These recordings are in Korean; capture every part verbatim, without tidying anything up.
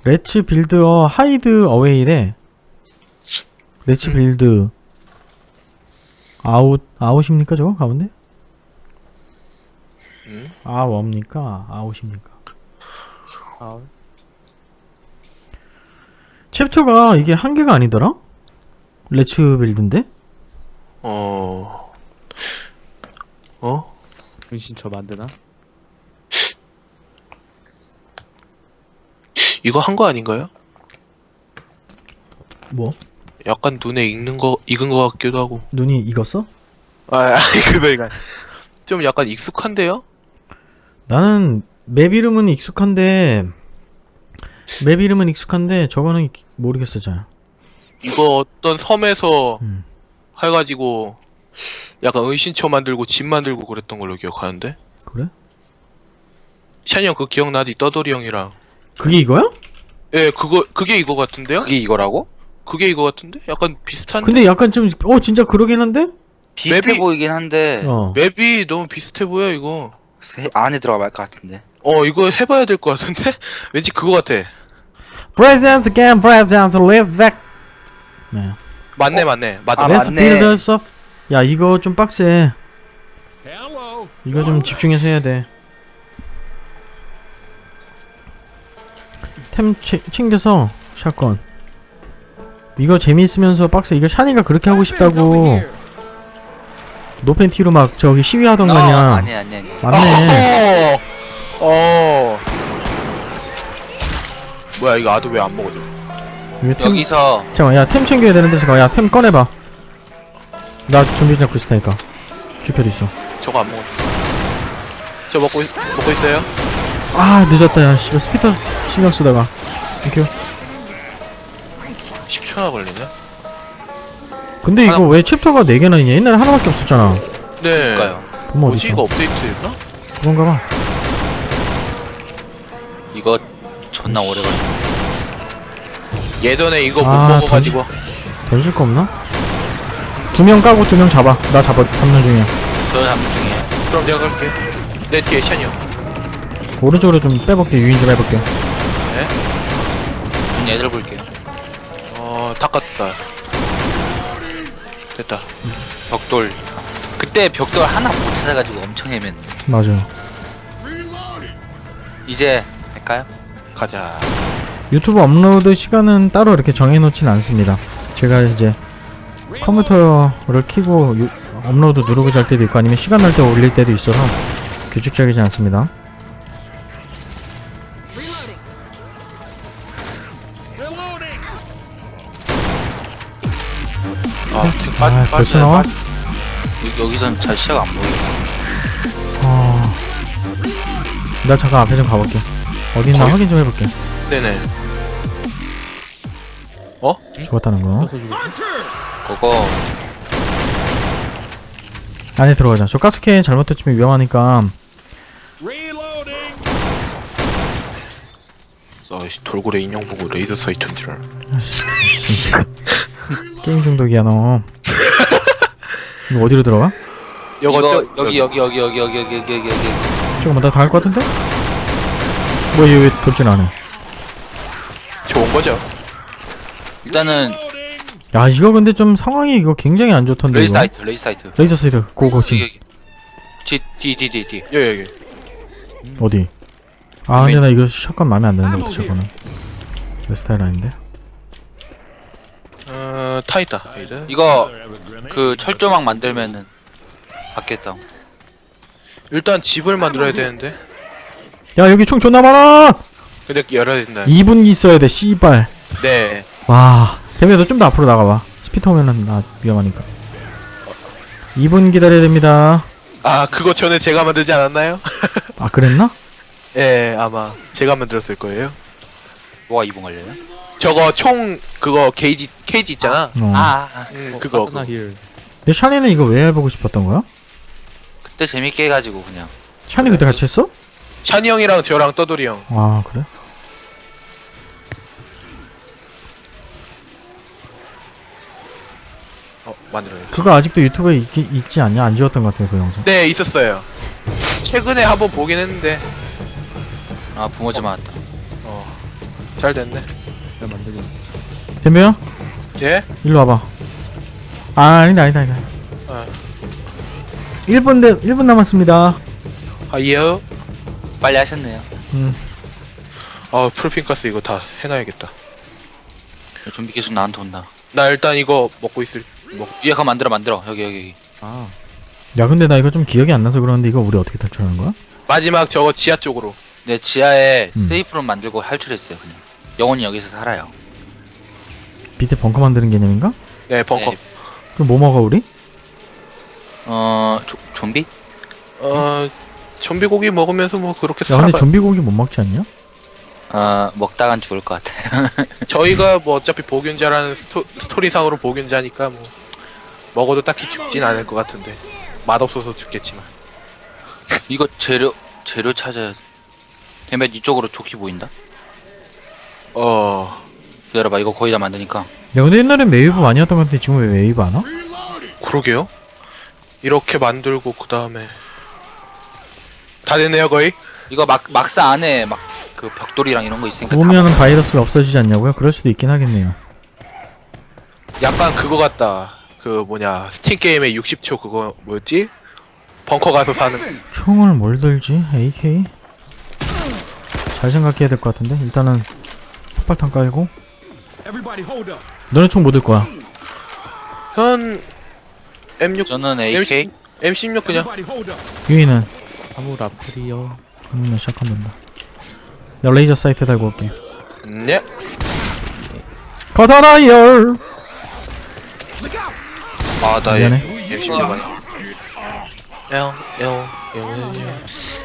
레츠 빌드어 하이드 어웨이래. 레츠 음. 빌드 아웃 아웃입니까 저거 가운데? 음? 아워입니까 아웃입니까? 아, 챕터가 이게 한 개가 아니더라? 레츠 빌드인데? 어... 어? 은신처 만드나? 이거 한 거 아닌가요? 뭐? 약간 눈에 익는 거, 익은 거 같기도 하고. 눈이 익었어? 아, 아니, 그거가 좀 약간 익숙한데요? 나는 맵 이름은 익숙한데 맵 이름은 익숙한데 저거는 기- 모르겠어 잘. 이거 어떤 섬에서 음. 해가지고 약간 은신처 만들고 집 만들고 그랬던 걸로 기억하는데? 그래? 샤니 형 그거 기억나지? 떠돌이 형이랑. 그게 이거야? 예, 그거, 그게 이거 같은데요? 그게 이거라고? 그게 이거 같은데? 약간 비슷한데? 근데 약간 좀 어 진짜 그러긴 한데? 비슷해 맵이- 보이긴 한데 어. 맵이 너무 비슷해 보여, 이거. 세- 안에 들어가 말 것 같은데. 어, 이거 해봐야 될 것 같은데? 왠지 그거 같아. Present again, present, let's back. 네. 맞네, 맞네. 맞아. 아, Let's 맞네. build us up. 야 이거 좀 빡세. 이거 좀 집중해서 해야 돼. 템 채, 챙겨서 샷건. 이거 재미있으면서 빡세. 이거 샤니가 그렇게 하고 싶다고 노팬티로 막 저기 시위하던 거 어, 아니야. 아니 아니 아니. 맞네. 어. 어. 뭐야, 이거 아도 왜 안 먹어져? 이거 템, 여기서 잠깐만 야 템 챙겨야 되는데 잠깐만 야 템 꺼내봐. 나 좀비 잡고 있을 테니까. 주표도 있어. 저거 안 먹어져. 저 먹고, 있, 먹고 있어요? 아 늦었다 야 씨발 스피터 신경 쓰다가. 땡큐. 십 초나 걸리네? 근데 이거 왜 챕터가 네 개나 있냐? 옛날에 하나밖에 없었잖아. 네. 볼까요? 보면 뭐지, 어딨어? 이거 업데이트였나? 그런가 봐. 이거 존나 오래 걸려. 예전에 이거 못 아, 먹어가지고. 던질 거 없나? 두 명 까고 두 명 잡아. 나 잡아 잡는 중이야. 저는 잡는 중이에요. 그럼 내가 갈게. 내 뒤에 샤니 형. 오른쪽으로 좀 빼볼게. 유인 좀 해볼게. 전 얘들 볼게요. 어, 닦았다. 됐다. 벽돌. 그때 벽돌 하나 못 찾아가지고 엄청 헤맸는데. 맞아. 이제 할까요? 가자. 유튜브 업로드 시간은 따로 이렇게 정해놓진 않습니다. 제가 이제 컴퓨터를 켜고 유, 업로드 누르고 잘 때도 있고 아니면 시간 날 때 올릴 때도 있어서 규칙적이지 않습니다. 아, 탱 빠, 아 빠져. 벌써 나와? 빠- 여- 여기선 잘 시야가 안 보여. 어... 나 잠깐 앞에 좀 가볼게. 어디 있나 거기- 확인 좀 해볼게. 네네. 죽었다는 거. 서 죽었네. 그거 안에 들어가자. 저 가스캔 잘못 터치면 위험하니까. 아이씨, 돌고래 인형 보고 레이더 사이트인 줄 알아. 진짜. 게임 중독이야 너. 이거 어디로 들어가? 이거, 이거 저, 여기 여기 여기 여기 여기 여기 여기 여기 여기. 잠깐만 나 당할 것 같은데? 뭐야 얘 왜 돌진 안 해? 좋은 거죠. 일단은 야 이거 근데 좀 상황이 이거 굉장히 안 좋던데 레이 이거. 사이트 레이 사이트. 레이저 사이드 고고 여기 지금 여기. 뒤뒤뒤뒤 뒤. 여기, 여기. 어디? 아 근데 나 이거 샷건 마음에 안 드는데 어떡해 저거는. 내 스타일 아닌데? 어, 타 있다. 레이더. 이거 그 철조망 만들면은 받겠다. 일단 집을 만들어야 되는데. 야 여기 총 존나 많아! 근데 열어야 된다. 이 분기 있어야 돼 씨발. 네. 와 대면 너 좀 더 앞으로 나가봐. 스피터 오면은 나 위험하니까. 이 분 기다려야 됩니다. 아, 그거 전에 제가 만들지 않았나요? 아 그랬나? 예, 아마 제가 만들었을 거예요. 뭐가 이봉 걸려요? 저거 총 그거 게이지 케이지 있잖아. 어. 아, 아. 응, 어, 그거. 파트너 힐. 근데 샤니는 이거 왜 해보고 싶었던 거야? 그때 재밌게 해가지고 그냥. 샤니 그때 같이 했어? 샤니 형이랑 저랑 떠돌이 형. 아 그래? 어, 만들어요. 그거 아직도 유튜브에 있, 있지 않냐? 안 지웠던 것 같아요 그 영상. 네, 있었어요. 최근에 한번 보긴 했는데. 아 붕어지 맞았다. 어. 잘 됐네. 내가 만들겠네. 덤벼 예? 일로 와봐. 아 아니다 아니다 아니다. 어. 일 분 대 일 분 남았습니다. 아이요. 빨리 하셨네요. 음 아 프로핀가스 이거 다 해놔야겠다. 좀비 계속 나한테 온다. 나 일단 이거 먹고 있을. 먹. 위에 가 만들어 만들어. 여기 여기 여기. 아, 야 근데 나 이거 좀 기억이 안 나서 그러는데 이거 우리 어떻게 탈출하는 거야? 마지막 저거 지하 쪽으로. 내 지하에 음. 세이프룸 만들고 탈출했어요. 그냥 영원히 여기서 살아요. 밑에 벙커 만드는 개념인가? 네 벙커. 네. 그럼 뭐 먹어 우리? 어 조, 좀비? 어 좀비 고기 먹으면서 뭐 그렇게 야 살아가. 근데 좀비 고기 못 먹지 않냐? 어 먹다간 죽을 것 같아요. 저희가 뭐 어차피 보균자라는 스토, 스토리상으로 보균자니까 뭐 먹어도 딱히 죽진 않을 것 같은데 맛없어서 죽겠지만. 이거 재료 재료 찾아야. 대면 이쪽으로 조끼 보인다. 어 기다려봐. 이거 거의 다 만드니까. 야 근데 옛날엔 웨이브 많이 했던 것 같은데 지금 왜 웨이브 안 와? 그러게요. 이렇게 만들고 그 다음에 다 됐네요 거의. 이거 막 막사 안에 막 그 벽돌이랑 이런 거 있으니까 다 오면은 바이러스가 없어지지 않냐고요? 그럴 수도 있긴 하겠네요. 약간 그거 같다. 그 뭐냐 스팀 게임의 육십 초 그거 뭐였지? 벙커 가서 사는. 총을 뭘 들지? 에이케이? 잘 생각해야 될 것 같은데 일단은 폭발탄 깔고. 너네 총 뭐 들 거야? 전 엠 육 저는 에이케이. 엠 십육 그냥. 유이는 사무라프리요. 음 시작한다. 나 레이저 사이트 달고 올게. 네. 커다라이얼. 아나 미안해. 엠 십육 아니야. 영, 영, 영, 영.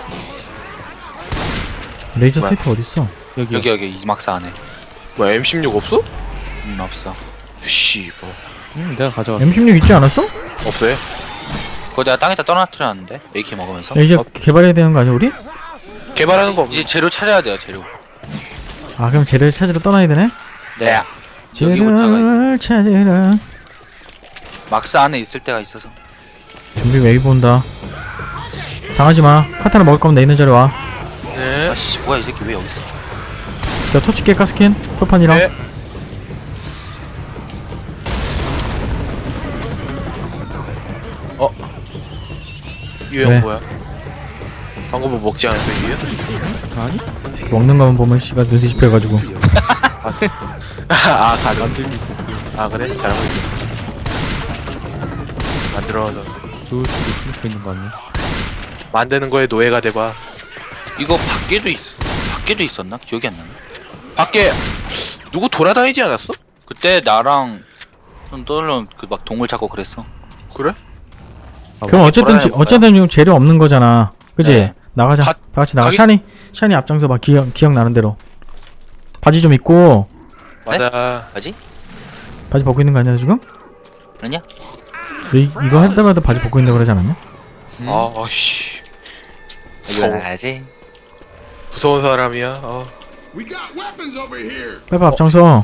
레이저 뭐야? 사이트 어딨어? 여기 여기 여기 이 막사 안에. 뭐야 엠 십육 없어? 음 없어. 씨 뭐. 음, 내가 가져왔어. 엠 십육 있지 않았어? 없어요. 그거 내가 땅에다 떠나뜨렸는데 에이케이 먹으면서. 야, 이제 어. 개발해야 되는 거 아니야 우리? 개발하는 거 없어. 이제 재료 찾아야 돼요. 재료. 아 그럼 재료를 찾으러 떠나야 되네? 네. 여기부터가 재료를 찾으러. 막사 안에 있을 때가 있어서. 좀비 웨이브 온다. 당하지마. 카타나 먹을 거면 내 있는 자리 와. 네. 아씨 뭐야 이 새끼 왜 여기 있어? 자 토치게 가스킨 표판이랑. 네. 어. 유형 네. 뭐야? 방금 뭐 먹지 않았어 유형? 아니? 새끼 먹는 거만 보면 씨발 눈 뒤집혀가지고. 아 가능. 만들고 있어. 아 그래? 잘하고 있어. 만들어서 좋을 수도 숨고 있는 거 아니야? 만드는 거에 노예가 돼봐. 이거 밖에도 있 밖에도 있었나? 기억이 안 나네. 밖에 누구 돌아다니지 않았어? 그때 나랑 좀 떠올려 그막 동물 찾고 그랬어. 그래? 아, 그럼 어쨌든 지, 돌아다녀볼까요? 어쨌든 지금 재료 없는 거잖아. 그지? 네. 나가자. 가- 다 같이 나가. 가기- 샤니 샤니 앞장서 봐. 기억 기억 나는 대로. 바지 좀 입고. 맞아. 뭐지? 바지 벗고 있는 거 아니야 지금? 아니야? 이, 이거 할 때마다 바지 벗고 있는 거 그러지 않았냐? 아, 아씨. 이거 무서워. 알지? 무서운 사람이야. 어. 빨리 앞장서.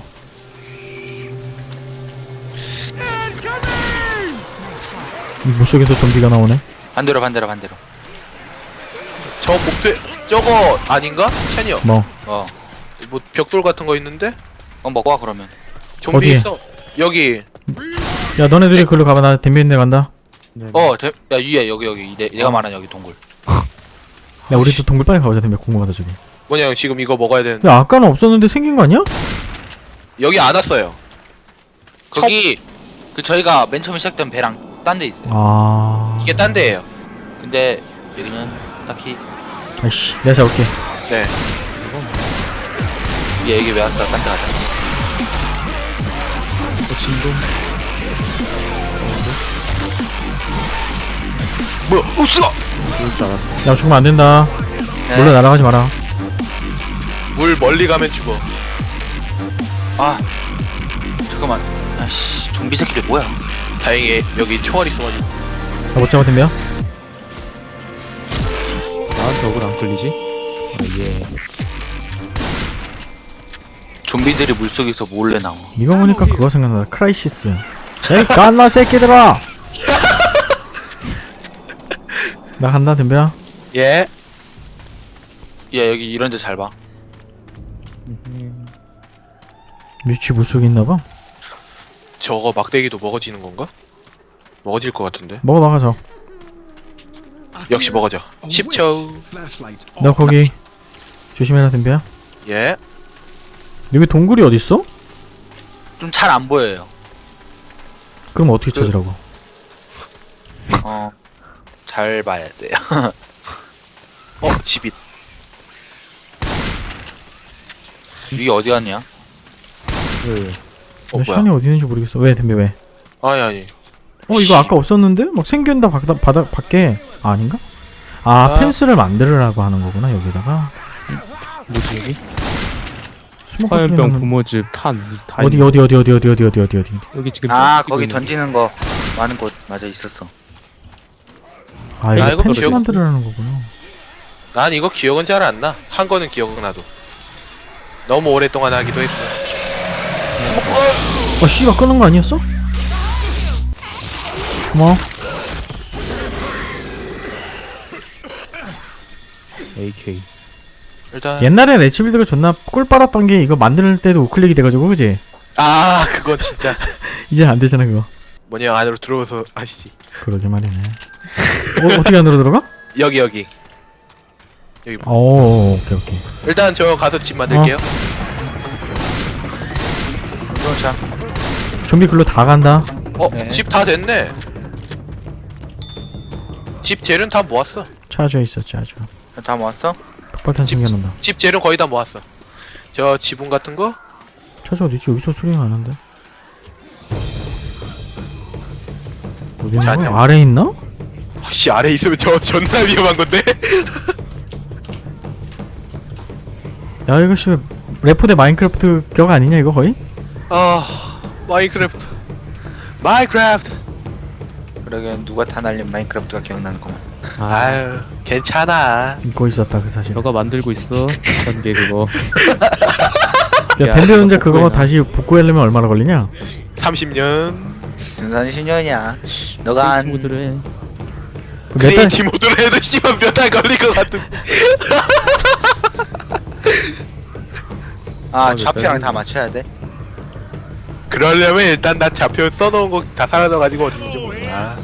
이 물속에서 좀비가 나오네. 반대로 반대로 반대로. 저 목표 저거 아닌가? 샤니요. 뭐 어. 뭐 벽돌 같은 거 있는데? 어 먹고 와 그러면. 좀비 어디에? 있어. 여기. 야 너네들이 글로 가봐. 나 댐비인데 간다. 네, 네. 어, 대, 야 위에 여기 여기 내, 내가 말한 여기 동굴. 야 우리도 동굴 빨리 가보자. 댐비 궁금하다 저기. 뭐냐 지금 이거 먹어야 되는데. 야 아까는 없었는데 생긴 거 아니야? 여기 안 왔어요. 거기 그 저희가 맨 처음에 시작된 배랑 딴 데 있어요. 아. 이게 딴 데예요. 근데 여기는 딱히 아이씨 내가 잡을게. 네. 얘 여기 왜 왔어? 딴 데 가자. 어, 진동. 뭐야? 우스가. 그럴 줄 알았어. 야 죽으면 안 된다. 네. 몰래 날아가지 마라. 물 멀리 가면 죽어. 아 잠깐만. 아씨 좀비 새끼들 뭐야? 다행히 여기 총알 있어가지고. 나못 잡아 댐비야? 나한테 억울 안 끌리지? 아, 예. 좀비들이 물속에서 몰래 나와. 이거 보니까 그거 생각나. 크라이시스. 에이 깐나 새끼들아. 나 간다 댐비야. 예. 야 여기 이런 데 잘 봐. 뮤치 물속에 있나봐. 저거 막대기도 먹어지는 건가? 먹어질 것 같은데. 먹어 나가서. 역시 먹어져. 십 초. 너 거기 조심해라 덤벼야. 예. 여기 동굴이 어딨어? 좀 잘 안 보여요. 그럼 어떻게 찾으라고? 어, 잘 봐야 돼요. 어, 집이. 위에 어디 갔냐? 그 어, 나 뭐야? 샤니 어디 있는지 모르겠어. 왜 덤벼 왜? 아니, 아니. 어 이거 아까 없었는데? 막 생긴다 바닥 바닥 밖에 아, 아닌가? 아, 아. 펜스를 만들으라고 하는 거구나 여기다가. 뭐지 여기? 스모커 소리 화염병, 나는- 부모즙, 탄. 다 어디 있네. 어디 어디 어디 어디 어디 어디 어디 어디. 여기 지금 아, 찍고 거기 있는 던지는 거 많은 곳 맞아 있었어. 아 아, 이거 이거 펜스 기억- 만들으라는 거구나. 난 이거 기억은 잘 안 나. 한 거는 기억은 나도. 너무 오랫동안 하기도 했고. 어 씨발 끄는 거 아니었어? 고마워. 에이케이. 일단 옛날에 레츠빌드가 존나 꿀 빨았던 게 이거 만들 때도 우클릭이 돼가지고 그지? 아, 그건 진짜 이제 안 되잖아 그거. 뭐냐 안으로 들어오서 아시지. 그러게 말이네. 어, 어떻게 안으로 들어가? 여기 여기. 여기. 봐. 오 오케이 오케이. 일단 저 가서 집 만들게요. 그렇죠. 좀비 글로 다 간다. 어, 네. 집 다 됐네. 집 재료는 다 모았어. 차져 있었지 아주. 다 모았어? 폭발탄 챙겨놓는다. 집 재료는 거의 다 모았어. 저 지붕 같은 거? 차져 어디지? 여기서 소리가 나는데. 어디 있는 자, 거야? 네. 아래 있나? 씨, 아래 있으면 저 존나 위험한 건데. 야 이거 씨 레포 대 마인크래프트 격 아니냐 이거 거의? 아, 마인크래프트. 마인크래프트. 그러게 누가 다 날린 마인크래프트가 기억나는구만. 아, 아유, 괜찮아. 잊고 있었다 그 사실. 너가 만들고 있어. 전개 그거. 야 야, 덴베 이거 혼자 그거 복구해놔. 다시 복구하려면 얼마나 걸리냐? 삼십 년. 등산 신년이야. 너가 한 친구들은 몇 달? 크리에이티 모드로 해도 씨발 몇 달 걸릴 것 같은. 아, 아, 좌표랑 몇 다 맞춰야 돼. 그러려면 일단 나 좌표 써놓은 거 다 사라져가지고 어딘지 몰라.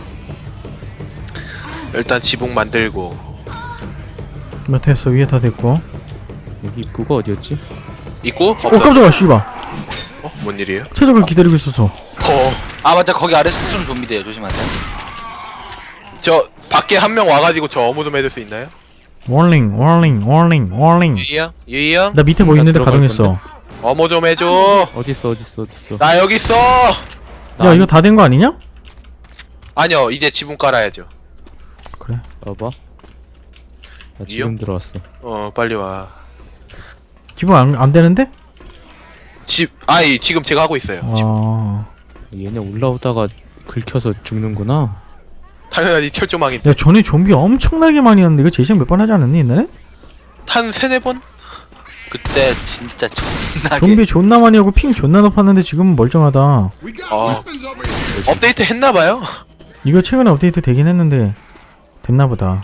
일단 지붕 만들고. 몇 됐어 위에 다 됐고. 여기 입구가 어디였지? 있고? 어 없어? 깜짝아 씨발. 어? 뭔 일이에요? 최적을 기다리고 있었어. 어. 아 맞다, 거기 아래 스톤 좀비돼요. 조심하세요. 저 밖에 한 명 와가지고 저 어무 좀 해줄 수 있나요? 워닝 워닝 워닝 워닝. 유이 형? 유이 형? 나 밑에 뭐 나 있는데 들어갈 가동했어. 어무 좀 해줘. 어딨어 어딨어 어딨어. 나 여기 있어. 야 이거 다 된 거 아니냐? 아니요, 이제 지붕 깔아야죠. 그래. 봐봐. 나 이요? 지금 들어왔어. 어, 빨리 와. 지금 안, 안 되는데? 집, 아이 지금 제가 하고 있어요. 지금. 아. 얘네 올라오다가 긁혀서 죽는구나. 당연하지 철조망인데. 야 전에 좀비 엄청나게 많이 왔는데 이거 재생 몇 번 하지 않았니 옛날에? 한 세네 번? 그때 진짜 존나게 좀비 존나 많이 하고 핑 존나 높았는데 지금은 멀쩡하다. 어, 업데이트 했나봐요. 이거 최근에 업데이트 되긴 했는데 됐나보다.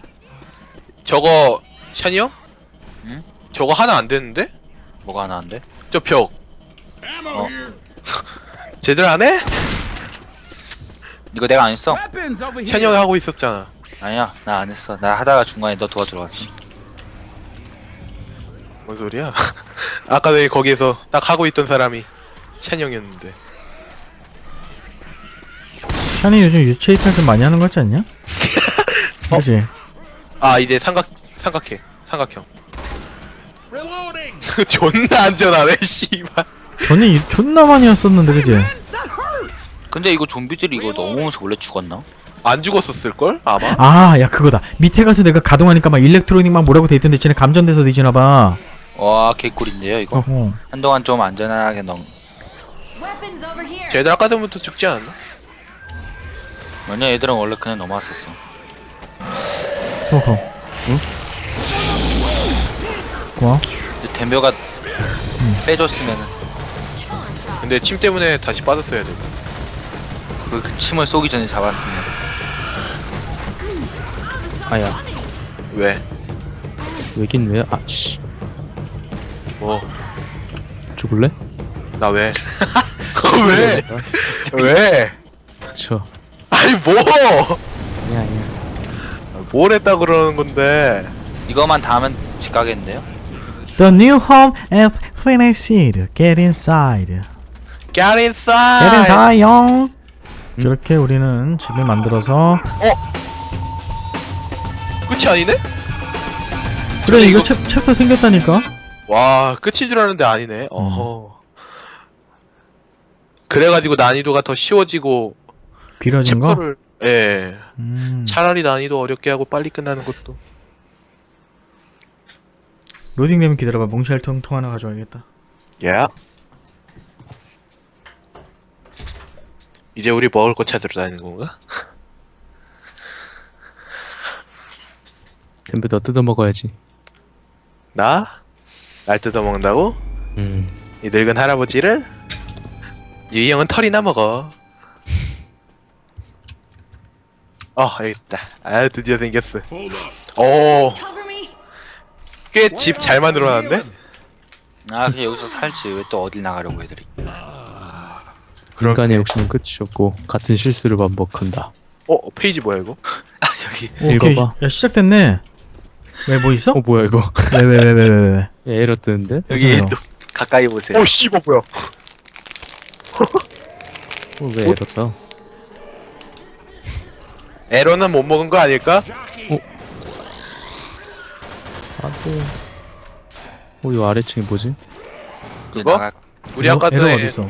저거 샤니 형? 응? 저거 하나 안 되는데? 뭐가 하나 안 돼? 저 벽. 어. 제대로 안 해? 이거 내가 안 했어? 샤니 형이 하고 있었잖아. 아니야, 나 안 했어. 나 하다가 중간에 너 도와주러 왔어. 뭔 소리야? 아까 전에 거기에서 딱 하고 있던 사람이 샤니 형이었는데. 샤니 요즘 유체 이탈 좀 많이 하는 거 같지 않냐? 그치? 아, 이제 삼각 삼각해. 삼각형. 존나 안전하네, 씨발. 전에 이- 존나 많이 왔었는데 그치? 근데 이거 좀비들이 이거 너무 무서워. 원래 죽었나? 안 죽었었을 걸? 아마. 아 야 그거다. 밑에 가서 내가 가동하니까 막 일렉트로닉 막 뭐라고 돼있던데 쟤네 감전돼서 뒤지나봐. 와, 개꿀인데요 이거. 어허. 한동안 좀 안전하게 넘. Weapons over here. 쟤들 아까 전부터 죽지 않았나? 왜냐, 얘들은 원래 그냥 넘어왔었어. 어허. 응? 고마워. 근데 댐벼가 빼줬으면은 근데 침 때문에 다시 빠졌어야 돼. 그, 그 침을 쏘기 전에 잡았으면. 아야. 왜? 왜긴 왜? 아씨. 뭐, 죽을래? 나 왜? 왜? 왜? 쳐. 아니 뭐? 아니야 아니야. 뭘 했다 그러는 건데? 이거만 다 하면 집 가겠는데요? The new home is finished. Get inside. Get Get inside. inside, 용. 이렇게 우리는 집을 만들어서 끝이 아니네? 그래 이거 이거- 챕, 챕터 생겼다니까. 와, 끝인 줄 알았는데 아니네. 어허. 그래가지고 난이도가 더 쉬워지고 길어진 거. 챕터를 예. 음. 차라리 난이도 어렵게 하고 빨리 끝나는 것도. 로딩되면 기다려봐. 몽쉘통 하나 가져와야겠다. 야. 이제 우리 먹을 거 찾으러 다니는 건가? 덤벼 너 뜯어 먹어야지. 나? 날 뜯어 먹는다고? 음. 이 늙은 할아버지를? 유이 형은 털이나 먹어. 어, 여기 있다. 아, 드디어 생겼어. 오, Cover me. 꽤 집 잘 만들어놨네? 아 그냥 여기서 살지 왜 또 어딜 나가려고 애들이. 인간의 욕심은 끝이 없고 같은 실수를 반복한다. 어, 페이지 뭐야, 이거? 아 여기 오케이. 읽어봐. 야 시작됐네. 왜 뭐 있어? 어 뭐야 이거? 왜 왜 왜 왜 왜 왜? 야, 에러 뜨는데? 여기 무슨 또 가까이 보세요. 오, 씨발, 뭐야. 어, 왜 에러 떠? 에러는 못 먹은 거 아닐까? 안돼. 어, 이 아래층이 뭐지? 그거? 나가... 우리 에러- 아까 에러가 전에 어딨어?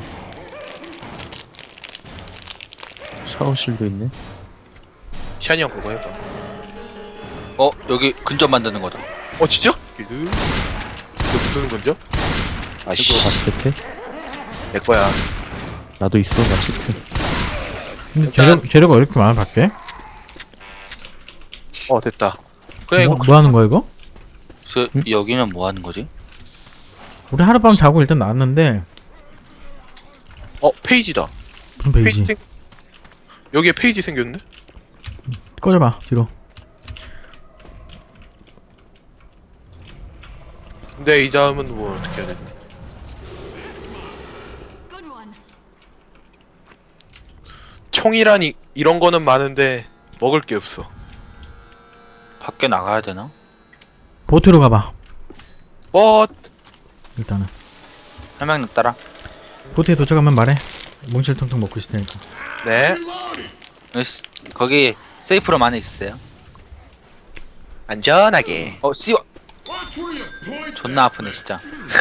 샤워실도 있네. 샤니 형 그거 해봐. 어 여기 근접 만드는 거다. 어, 진짜? 이거 무슨 건죠? 아씨, 마체테? 내 거야. 나도 있어 마체테. 근데 재료 재료가 왜 이렇게 많아 밖에? 어, 됐다. 그래, 뭐, 이거 뭐 하는 거야 이거? 그 여기는 뭐 하는 거지? 우리 하룻밤 자고 일단 나왔는데 어, 페이지다. 무슨 페이지 페이지? 생... 여기에 페이지 생겼네? 꺼져봐 뒤로. 근데 이 다음은 뭐 어떻게 해야 되지? Good one. 총이란 이, 이런 거는 많은데 먹을 게 없어. 밖에 나가야 되나? 보트로 가봐. 뭐 일단은 설명 따라. 보트에 도착하면 말해. 몽실통통 먹고 있을 테니까. 네. 여기 스- 거기 세이프룸 안에 있어요. 안전하게. 어 씨발. 존나 아프네 진짜.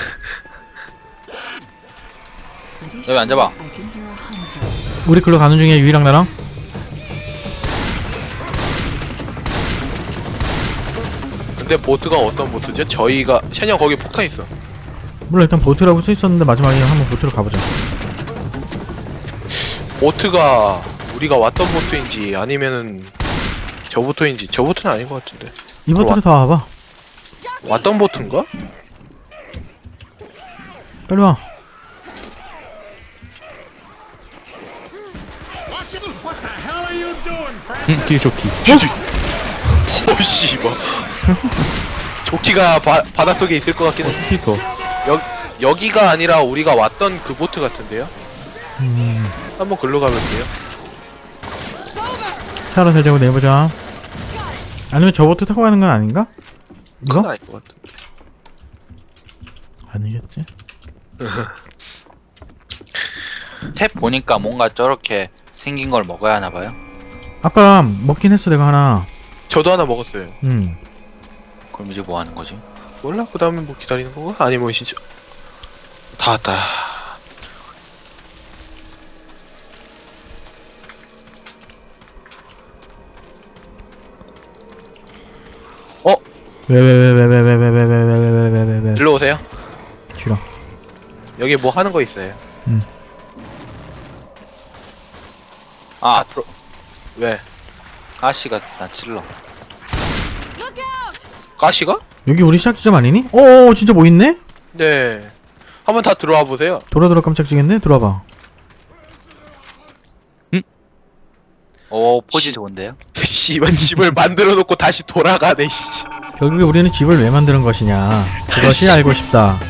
여기 앉아봐. 우리 글로 가는 중에 유이랑 나랑. 근데 보트가 어떤 보트죠? 저희가 샤니 형 거기 폭탄 있어. 몰라 일단 보트라고 써 있었는데 마지막에 한번 보트로 가보자. 보트가 우리가 왔던 보트인지 아니면은 저 보트인지 저 보트는 아닌 것 같은데. 이 보트로 다 와봐. 왔던 보트인가? 빨리 와. 응, 뒤에 조끼. 오씨 뭐. 조끼가 바, 바닷속에 있을 것 같긴 해. 스피커. 여, 여기가 아니라 우리가 왔던 그 보트 같은데요? 음, 한번 글로 가볼게요. 살아 살자고 내보자. 아니면 저 보트 타고 가는 건 아닌가? 그건 이거? 아닐 것 같은데. 아니겠지. 탭 보니까 뭔가 저렇게 생긴 걸 먹어야 하나 봐요. 아까 먹긴 했어 내가 하나. 저도 하나 먹었어요. 음. 그럼 이제 뭐 하는 거지? 몰라? 그 다음에 뭐 기다리는 건가? 아니면 진짜 다 왔다. 어? 왜 왜 왜 왜 왜 왜 왜 왜 왜 왜 왜 왜 왜 왜 일로 오세요. 싫어. 여기 뭐 하는 거 있어요. 아 앞으로 왜? 아씨가 나 찔러. Look out! 가시가? 여기 우리 시작 지점 아니니? 어 진짜 뭐 있네? 네. 한번 다 들어와 보세요. 돌아 돌아 깜짝지겠네. 들어와봐. 오 포지 좋은데요? 씨발 집을 만들어 놓고 다시 돌아가네. 씨. 결국에 우리는 집을 왜 만드는 것이냐 그것이 알고 싶다.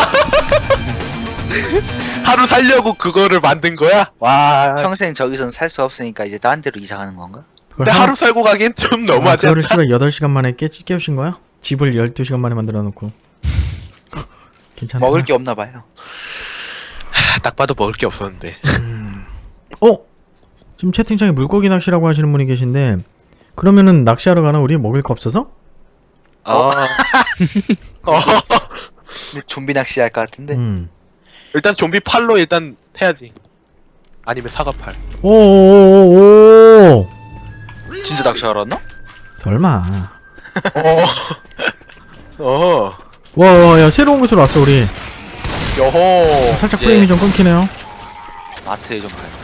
하루 살려고 그거를 만든 거야? 와. 평생 저기선 살 수 없으니까 이제 딴 데로 이사 가는 건가? 그걸 근데 하루- 하루 살고 가기엔 좀 아, 너무하지 그거를 않나? 씨발 여덟 시간 만에 깨, 깨우신 거야? 집을 열두 시간 만에 만들어 놓고. 괜찮다. 먹을 게 없나 봐요. 딱 봐도 먹을 게 없었는데. 어? 지금 채팅창에 물고기 낚시라고 하시는 분이 계신데 그러면은 낚시하러 가나 우리 먹을 거 없어서? 어. 어. 좀비 낚시 할 것 같은데. 음. 일단 좀비 팔로 일단 해야지. 아니면 사과팔. 오오오오. 진짜 낚시하러 왔나? 설마. 어. 어. 와, 야 새로운 곳으로 왔어 우리. 여호. 살짝 이제- 프레임이 좀 끊기네요. 마트에 좀 가야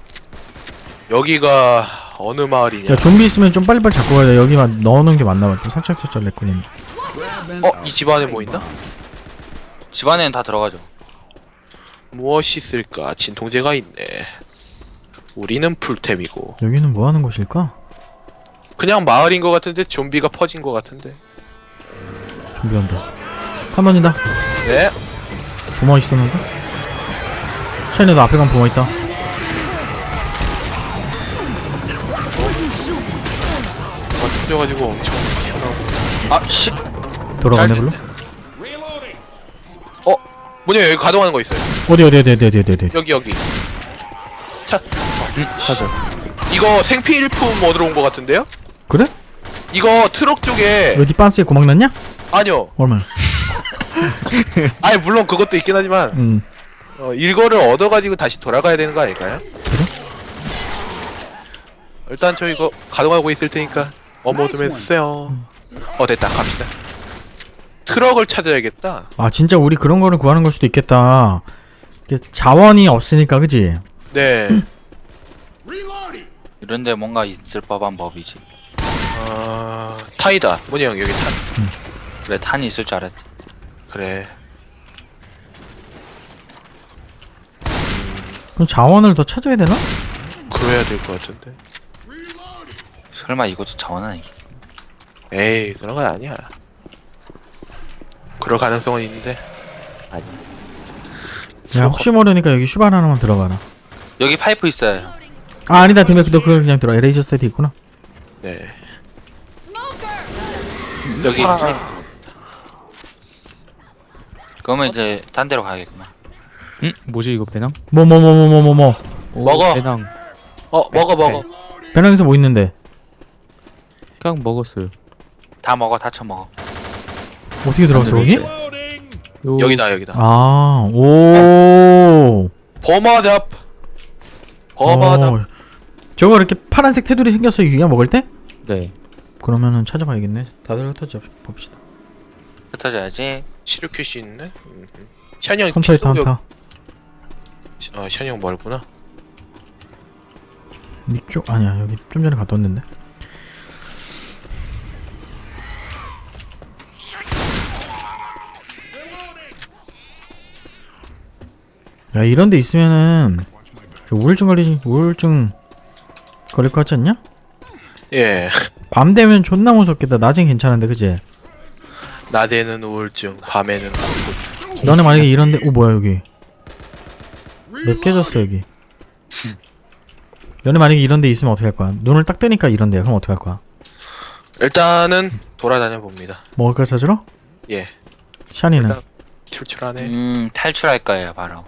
여기가 어느 마을이냐? 야 좀비 있으면 좀 빨리빨리 잡고 가야 돼. 여기만 넣어놓은 게 맞나 봐. 좀 살짝살짝 렉걸리네. 어? 이 집 안에 뭐 있나? 집 안에는 다 들어가죠. 무엇이 있을까? 진통제가 있네. 우리는 풀템이고. 여기는 뭐 하는 곳일까? 그냥 마을인 것 같은데 좀비가 퍼진 것 같은데. 좀비 온다. 한 번이다. 네. 보마 있었는데? 샤이네도 앞에 가면 보마 있다. 막 터져가지고 엄청 튀어나오고. 아 씨. 돌아가네 잘 불로? 어? 뭐냐 여기 가동하는 거 있어요. 어디 어디 어디 어디 어디 어디 어디. 여기 여기. 차. 찾아. 이거 생필품 얻으러 온 것 같은데요? 그래? 이거 트럭 쪽에 어디 빤스에 구멍 났냐? 아니요. 얼마나? 아니 물론 그것도 있긴 하지만 음. 어, 이거를 얻어가지고 다시 돌아가야 되는 거 아닐까요? 그래? 일단 저 이거 가동하고 있을 테니까 어머 좀 해주세요. 어 됐다 갑시다. 트럭을 찾아야겠다. 아 진짜 우리 그런 거를 구하는 걸 수도 있겠다. 이게 자원이 없으니까 그지? 네. 이런데 뭔가 있을 법한 법이지. 어... 탄이다. 뭐냐 형 여기 탄. 그래 탄이 있을 줄 알았지. 그래. 그럼 자원을 더 찾아야 되나? 그래야 될 것 같은데. 설마 이것도 자원 아니겠? 에이 그런 건 아니야. 그럴 가능성은 있는데. 아니. 야 혹시 모르니까 여기 슈발 하나만 들어가라. 여기 파이프 있어요. 아 아니다 근데 너 그걸 그냥 들어. 에레이저 세트 있구나. 네. Smoker! 여기 그러면 이제 딴 데로 가야겠구나. 응? 뭐지 이거 배낭? 뭐 뭐 뭐 뭐 뭐 뭐 뭐. 오, 먹어. 배낭. 어 먹어 먹어. 배낭에서 뭐 있는데? 그냥 먹었어요. 다 먹어 다 처먹어. 어떻게 들어갔어 거기? 요... 여기다 여기다. 아 오. 버마잡. 버마잡. 어, 저거 이렇게 파란색 테두리 생겼어 유야 먹을 때? 네. 그러면은 찾아봐야겠네. 다들 흩어져 봅시다. 흩어져야지. 치료 큐시 있네. 음. 샤니 형 헌터 있다 피소 헌터. 어 샤니 형 멀구나. 이쪽 아니야 여기 좀 전에 갔다 왔는데. 야 이런데 있으면은 우울증 걸리지 우울증 걸릴 것 같지 않냐? 예. 밤 되면 존나 무섭겠다. 낮엔 괜찮은데 그지? 낮에는 우울증, 밤에는 우울증. 너네 만약에 이런데 오 뭐야 여기 몇 깨졌어 여기. 너네 만약에 이런데 있으면 어떻게 할 거야? 눈을 딱 뜨니까 이런데야. 그럼 어떻게 할 거야? 일단은 돌아다녀 봅니다. 먹을 걸 찾으러? 예. 샤니는 일단 출출하네. 음 탈출할 거예요 바로.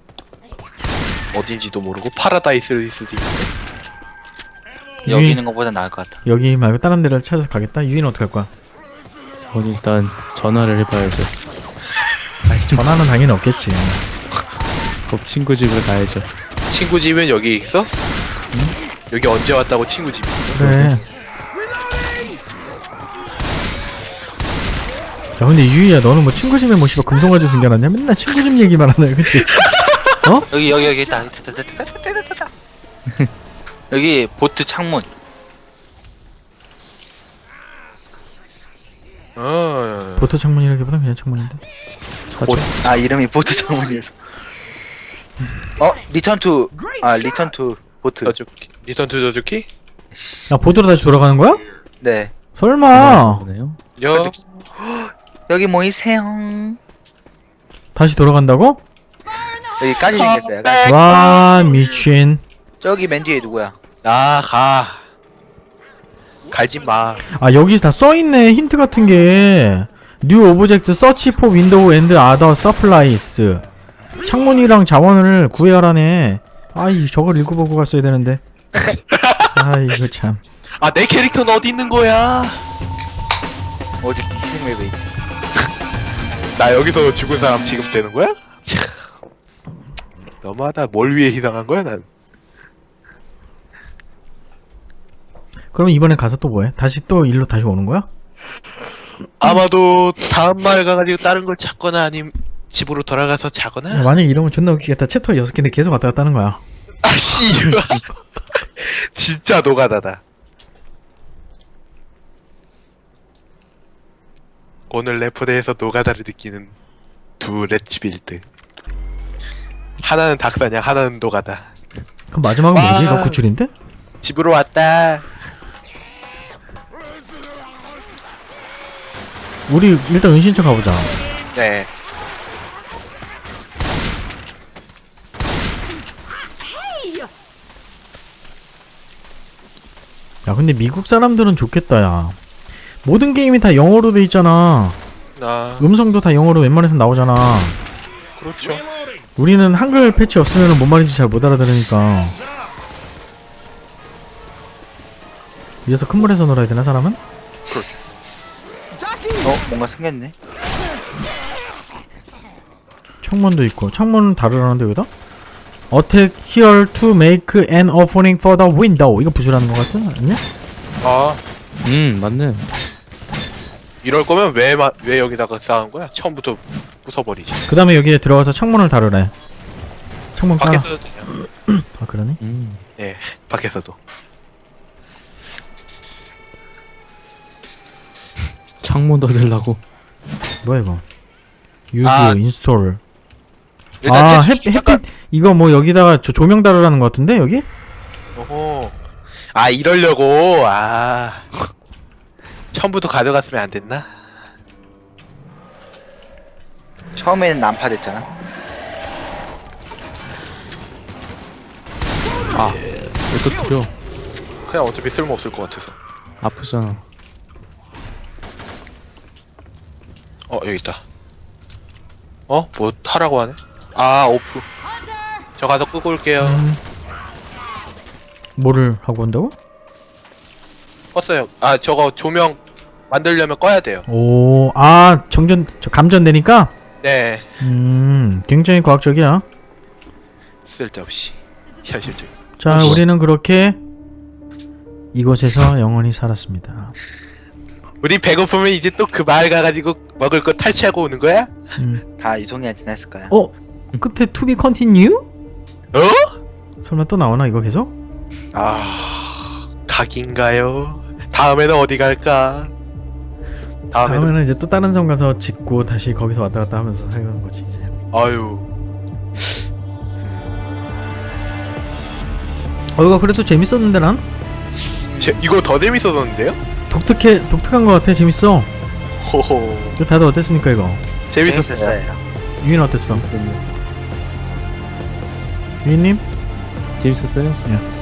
어딘지도 모르고 파라다이스일 수도 있는데. 여기 유인- 있는 것보다 나을 것 같아. 여기 말고 다른 데를 찾아서 가겠다. 유인 어떻게 할 거야? 전 일단 전화를 해봐야죠. 아이 전화는 당연히 없겠지. 그 친구 집을 가야죠. 친구 집은 여기 있어? 여기 언제 왔다고 친구 집이 있어? 그래. 야 근데 유이야 너는 뭐 친구 집에 뭐 씨발 금속 가지고 숨겨놨냐? 맨날 친구 집 얘기만 하네 그치? 여기 여기 여기 있다. 있다, 있다, 있다, 있다, 있다, 있다. 여기 보트 창문. 어. 보트 창문이라기보다 그냥 창문인데. 보, 아 이름이 보트 창문이어서. 어 리턴 투. 아 리턴 투 보트. 저주키. 리턴 투 저주키? 야 보드로 다시 돌아가는 거야? 네. 설마. 보네요. 여 여기 모이세요. 다시 돌아간다고? 여기까지 생겼어요. 여기까지. 와 미친. 저기 맨 뒤에 누구야? 나가 갈지 마. 아 여기 다 써있네. 힌트 같은 게 뉴 오브젝트 서치 포 윈도우 앤드 아더 서플라이스. 창문이랑 자원을 구해라네. 아이 저걸 읽어보고 갔어야 되는데. 아 이거 참. 아 내 캐릭터는 어디 있는 거야? 어디 희생맵에 있지? 나 여기서 죽은 사람 지금 되는 거야? 참. 너무하다. 뭘 위해 희생한 거야 난? 그럼 이번에 가서 또 뭐해? 다시 또 일로 다시 오는 거야? 아마도 다음 마을 가가지고 다른 걸 찾거나 아님 집으로 돌아가서 자거나. 야, 만약에 이러면 존나 웃기겠다. 챕터 여섯 개인데 계속 왔다 갔다 하는 거야. 아씨 진짜 노가다다. 오늘 레포대에서 노가다를 느끼는 두 렛츠빌드. 하나는 닭사냥, 하나는 노가다. 그럼 마지막은 뭐지? 와. 이거 구출인데? 집으로 왔다. 우리 일단 은신처 가보자. 네. 야 근데 미국 사람들은 좋겠다 야. 모든 게임이 다 영어로 돼 있잖아. 아 음성도 다 영어로 웬만해서 나오잖아. 그렇죠. 우리는 한글 패치 없으면 뭔 말인지 잘 못 알아들으니까. 이래서 큰 물에서 놀아야 되나 사람은? 어 뭔가 생겼네. 창문도 있고. 창문은 다르라는데 여기다? Attack here to make an opening for the window. 이거 부수라는 거 같아? 아니야? 아 음 맞네. 이럴 거면 왜 마, 왜 여기다가 쌓은 거야? 처음부터 부숴버리지. 그 다음에 여기에 들어가서 창문을 다루래. 창문 깔아. 밖에서도 되냐? 아 그러네? 음 예, 밖에서도. 창문 닫으려고. 뭐야 이거? use 아. install. 일단 아 해- 햇, 햇빛 이거 뭐 여기다가 저 조명 다루라는 거 같은데 여기? 오호. 아 이러려고. 아 처음부터 가져갔으면 안 됐나? 처음에는 난파됐잖아. 아 왜 또 두려? 그냥 어차피 쓸모 없을 것 같아서. 아프잖아. 어 여기 있다. 어? 뭐 하라고 하네? 아 오프. 저 가서 끄고 올게요. 음. 뭐를 하고 온다고? 껐어요. 아 저거 조명 만들려면 꺼야 돼요. 오, 아 정전, 저 감전되니까? 네. 음, 굉장히 과학적이야. 쓸데없이 현실적. 자, 어이씨. 우리는 그렇게 이곳에서 영원히 살았습니다. 우리 배고프면 이제 또 그 마을 가가지고 먹을 거 탈취하고 오는 거야? 음. 다 이송이가 지냈을 거야. 어? 끝에 to be continue? 어? 설마 또 나오나 이거 계속? 아 각인가요? 다음에는 어디 갈까? 다음에는, 다음에는 이제 또 다른 섬 가서 짓고 다시 거기서 왔다 갔다 하면서 살는 거지 이제. 아유 어 이거 그래도 재밌었는데 난? 제, 이거 더 재밌었는데요? 독특해, 독특한 거 같아. 재밌어. 호호 이거 다들 어땠습니까 이거? 재밌었어요. 재밌었어요. 유인 어땠어? 유인님? 재밌었어요? 예.